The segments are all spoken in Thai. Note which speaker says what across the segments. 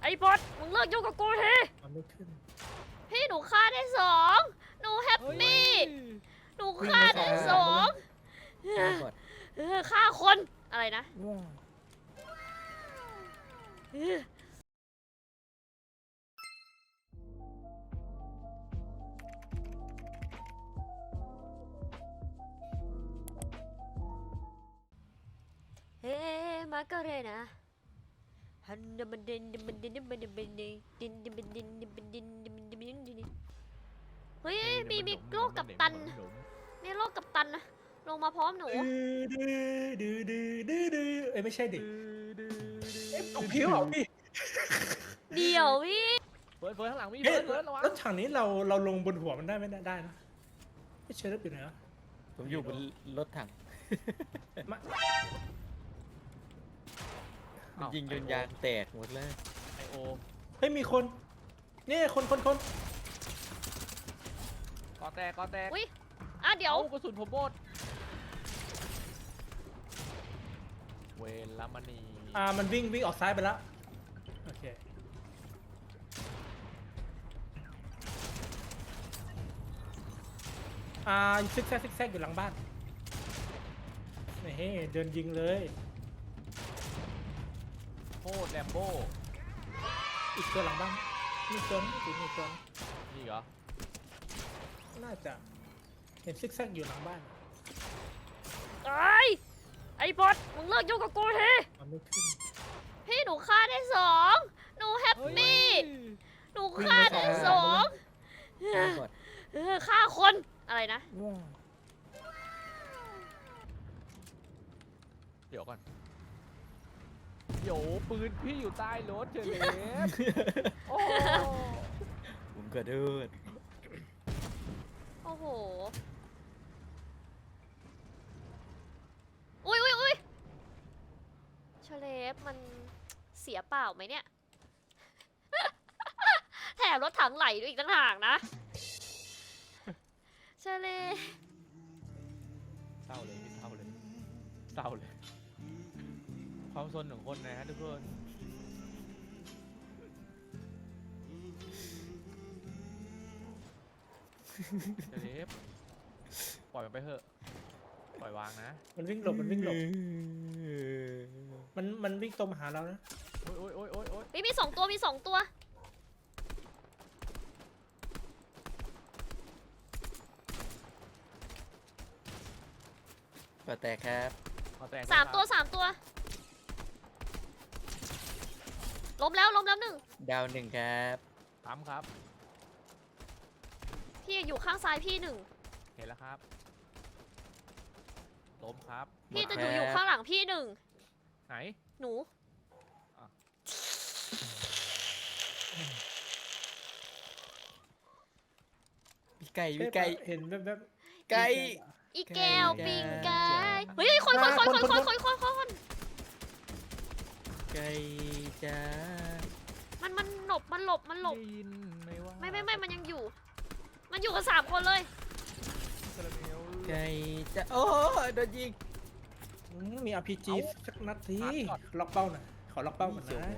Speaker 1: อ้บอสมึงเลิกยุ่งกับกูที
Speaker 2: มันไม่ขึ้น
Speaker 1: พี่หนูฆ่าได้2หนูแฮปปี้หนูฆ่าได้2ฆ่าคนอะไรนะเฮ้มาก็เลยนะฮันดมันดินดิมันดินดิมันดินดินดินดินดินดินดินดินดินดินดินดินเฮ้ยมีโลกกับตันนี่โลกกับตันนะลงมาพร้อมหนู
Speaker 2: เอ้ยไม่ใช่ดิตกผิวเหรอพี่
Speaker 1: เดี๋ยวพี่
Speaker 3: เฟิร์สข้างหลังมี
Speaker 2: เฮ้ย
Speaker 3: เฟิร์สระวัง
Speaker 2: รถถังนี้เราลงบนหัวมันได้ไม่ได้นะไม่เชื่อรถอยู่ไหนวะ
Speaker 4: ผมอยู่บนรถถัง
Speaker 2: มา
Speaker 4: มันยิงจนยางแตกหมดเลย
Speaker 3: ไอโอ
Speaker 2: เฮ้ยมีคนนี่คน
Speaker 3: กอแตก
Speaker 1: อุ้ยเดี๋ยว
Speaker 3: กระสุนผมหมดเวลามณี
Speaker 2: มันวิ่งออกซ้ายไปแล้วโอเคซิกแซกอยู่หลังบ้านเฮ้ยเดินยิงเลย
Speaker 3: โคตรแลมโบ้
Speaker 2: อีกตัวหลังบ้านมีตัวนี่มีตัว
Speaker 3: นี่เหรอ
Speaker 2: น่าจะเห็นซิกแซกอยู่หลังบ้าน
Speaker 1: ไอ้บอสมึงเลิกยุ่งกับกูที
Speaker 2: มันไม่ขึ้น
Speaker 1: พี่หนูฆ่าได้2หนูแฮปปี้หนูฆ่าได้2ฆ่าคนอะไรนะ
Speaker 3: เดี๋ยวก่อนเดี๋ยวปืนพี่อยู่ใต้รถเฉยโอ้
Speaker 4: ผมกระโดด
Speaker 1: โอ้โหอุ้ยเชเลฟมันเสียเปล่าไหมเนี่ย แถมรถถังไหลด้วยอีกต่างหากนะเชเลฟ
Speaker 3: เศร้าเลยความซนของคนนะฮะทุกคนเดฟปล่อยมันไปเถอะปล่อยวางนะ
Speaker 2: มันวิ่งหลบมันวิ่งตรงมาหาเรานะ
Speaker 3: โอ้ย
Speaker 1: มี2 ตัวมี2 ตัว
Speaker 4: ก็แตกครับ
Speaker 1: 3 ตัวล้มแล้ว1
Speaker 4: ดาวหนึ่งครับ
Speaker 3: ตามครับ
Speaker 1: พี่อยู่ข้างซ้ายพี่1
Speaker 3: เห็นแล้วครับล้มครับ
Speaker 1: พี่จะอยู่ข้างหลังพี่1
Speaker 3: ไหน
Speaker 1: หนู
Speaker 4: พี่ไก่
Speaker 2: เห็นแบบ
Speaker 4: ไก่
Speaker 1: อีแก้วปิงไก่เฮ้ยคน
Speaker 4: ไก่จ้า
Speaker 1: มันหลบ
Speaker 3: ได้ยินไหมว่า
Speaker 1: ไม่มันยังอยู่ มันอยู่กัน3 คนเลย
Speaker 4: ไก่จ้าโอ้โดนยิง
Speaker 2: มี RPG สักนัดทีล็อกเป้าหน่อยขอล็อกเป้าก่อน
Speaker 4: เสียว
Speaker 2: นะ
Speaker 4: หัว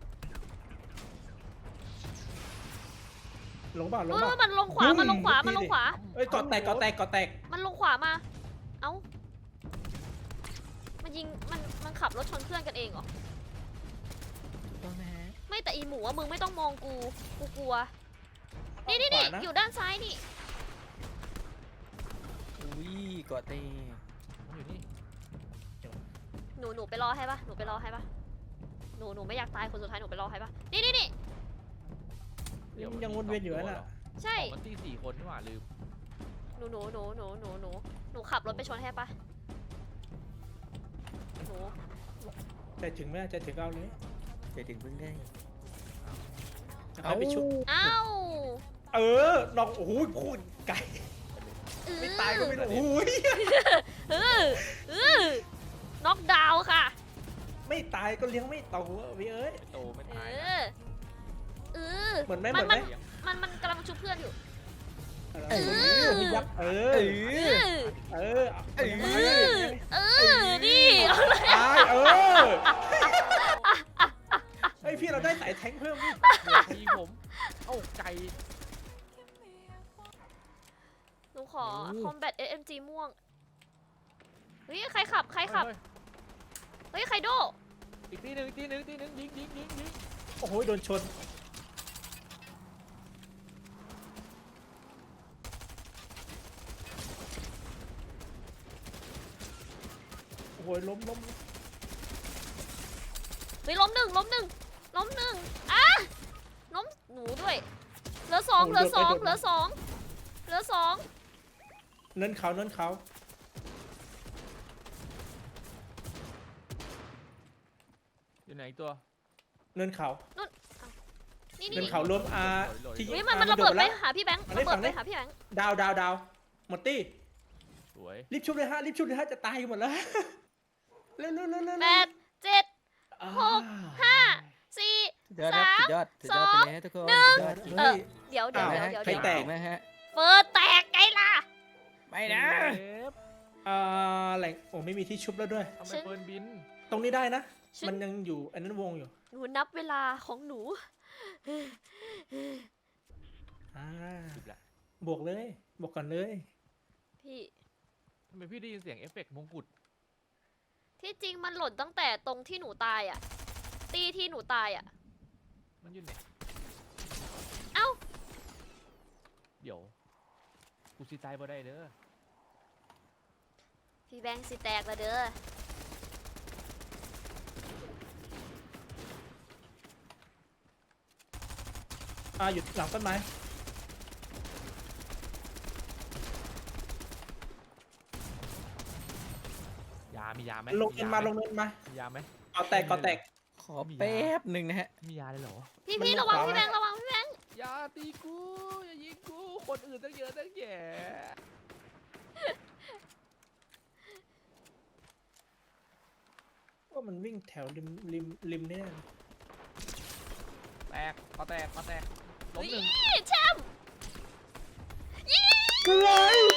Speaker 2: ลงเปล่า
Speaker 1: มันลงขวา
Speaker 2: เอ้ยกอแตก
Speaker 1: มันลงขวามา เอ้า มันยิง มันขับรถชนเพื่อนกันเองเหรอ
Speaker 4: ต้องนะฮะ
Speaker 1: ไม่แต่อีหมูอะมึงไม่ต้องมองกูกลัว นี่อยู่ด้านซ้ายนี่
Speaker 4: อุ้ยกอเต้
Speaker 3: อยู่นี่
Speaker 1: หนูไปรอให้ปะหนูไม่อยากตายคนสุดท้ายหนูไปรอให้ปะนี่
Speaker 2: ยังวนเวียนอยู่นั่นแหละ
Speaker 1: ใช่
Speaker 3: มันตี4 คนนี่หว่าลืม
Speaker 1: หนูขับรถไปชนให้ปะหนู
Speaker 2: ใจถึงไหมใจถึงเอาเลย
Speaker 4: จะถึงเพิ่งได้
Speaker 2: จะให้ไปชุบ
Speaker 1: อ้าว
Speaker 2: น้องโอ้โหพูดไก่ไม่ตายก็ไม่ได้โอ้ย
Speaker 1: น็อกดาวน์ค่ะ
Speaker 2: ไม่ตายก็เลี้ยงไม่โตพี่เอ้ย
Speaker 3: ไม่โตไม่
Speaker 1: เอ
Speaker 3: ตาย
Speaker 1: อ
Speaker 2: เหมือนไหม
Speaker 1: มันกำลังชุบเพื่อนอยู่
Speaker 2: พี่ยักษ์นี่
Speaker 1: เอาเลย
Speaker 2: เฮ้ยพี่เราได้สายแทงเพิ่มดิ
Speaker 3: เดี๋ยวยิงผมเอ้าไก่
Speaker 1: หนูขอ combat SMG ม่วง เฮ้ย ใครขับ ใครขับ เฮ้ย ใครโด
Speaker 3: อีกทีหนึ่งยิง
Speaker 2: โอ้โหโดนชนโอ้โหล้ม
Speaker 1: เฮ้ยล้มหนึ่งล้มหนึ่งอ่ะล้มหนูด้วย เหลือสอง
Speaker 2: เนินเขา
Speaker 3: อยู่ไหนอีกตัว
Speaker 2: เนินเขา
Speaker 1: นี่
Speaker 2: เนินเขาล้มที่
Speaker 1: เฮ้ยมันระเบิดไปหาพี่แบงค์
Speaker 2: มัน
Speaker 1: ระ
Speaker 2: ได้
Speaker 1: เบิ
Speaker 2: ฝั่
Speaker 1: ด
Speaker 2: ง
Speaker 1: ไป
Speaker 2: นี้
Speaker 1: หาพี่แบงค์
Speaker 2: ดาวหมดตี้
Speaker 3: สวย
Speaker 2: รีบชุบเลยฮะจะตายกันหมดแล้วเร็ว
Speaker 1: แปดเจ็ด หก ห้าสี่
Speaker 4: สุดยอดครับสุดยอดไปเลยฮะทุกคนสุดยอด
Speaker 1: เออเดี๋ยว
Speaker 2: อ้าว
Speaker 4: ใครแตกไหมฮะ
Speaker 1: เฟิร์สแตกไงล่ะ
Speaker 4: ไม่นะ
Speaker 3: เซฟ
Speaker 2: แหล่งโอ้ไม่มีที่ชุบแล้วด้วย
Speaker 3: ทำไมเปิร์นบิน
Speaker 2: ตรงนี้ได้นะ
Speaker 1: ฉัน
Speaker 2: มันยังอยู่อันนั้นวงอยู่
Speaker 1: หนูนับเวลาของหนู
Speaker 3: จิบละ
Speaker 2: บวกก่อนเลย
Speaker 1: พี่
Speaker 3: ทำไมพี่ได้ยินเสียงเอฟเฟกต์มงกุฎ
Speaker 1: ที่จริงมันหล่นตั้งแต่ตรงที่หนูตายอ่ะ ตีที่หนูตายอ่ะ
Speaker 3: มันอยู่ไหน
Speaker 1: เอ้า
Speaker 3: เดี๋ยวกูสิตายบ่ได้เด้อ
Speaker 1: พี่แบงค์สิแตกแล้วเด้อ
Speaker 2: หยุดหลังต้นไม้
Speaker 3: มียาไหม
Speaker 2: ลงเนินมา
Speaker 3: มียาไหม
Speaker 2: ก่อแตก
Speaker 4: ขอแป๊บหนึ่งนะฮะ
Speaker 3: มียาเลยเหรอ
Speaker 1: พี่
Speaker 2: มัน
Speaker 1: พี่
Speaker 2: ลง
Speaker 1: ระวัง
Speaker 2: ขวา
Speaker 1: พี่แบงค์
Speaker 2: ไหม
Speaker 1: ระวังพี่แบงค์
Speaker 3: อย่าตีกูอย่ายิงกูคนอื่นตั้งเยอะตั้งแยะ
Speaker 2: ว่ามันวิ่งแถวริมเนี่ย
Speaker 3: แตกล้มหนึ่ง
Speaker 1: นี่แชมป์
Speaker 2: กล้วย